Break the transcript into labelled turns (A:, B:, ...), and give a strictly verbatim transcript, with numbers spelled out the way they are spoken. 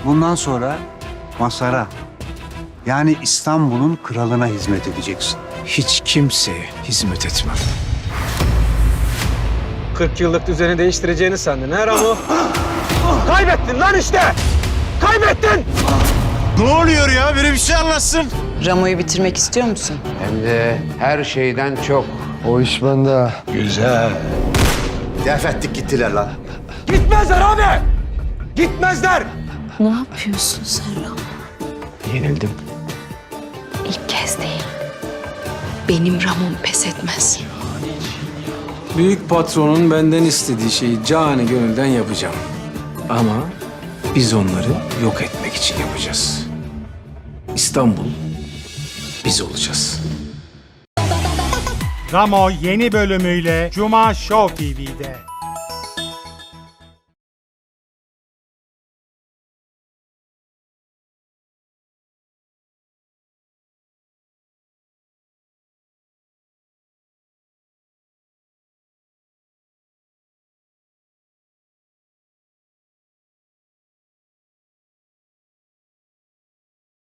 A: Bundan sonra Masar'a, yani İstanbul'un kralına hizmet edeceksin.
B: Hiç kimseye hizmet etmem.
C: kırk yıllık düzeni değiştireceğini sandın ha Ramo? Kaybettin lan işte! Kaybettin!
B: Ne oluyor ya? Biri bir şey anlatsın.
D: Ramo'yu bitirmek istiyor musun?
E: Hem de her şeyden çok.
F: O iş bende.
B: Def ettik gittiler lan.
C: Gitmezler abi! Gitmezler!
G: Ne yapıyorsun sen Ramo?
B: Yenildim.
G: İlk kez değil. Benim Ramon pes etmez.
H: Büyük patronun benden istediği şeyi cani gönülden yapacağım. Ama biz onları yok etmek için yapacağız. İstanbul biz olacağız.
I: Ramo yeni bölümüyle Cuma Show T V'de.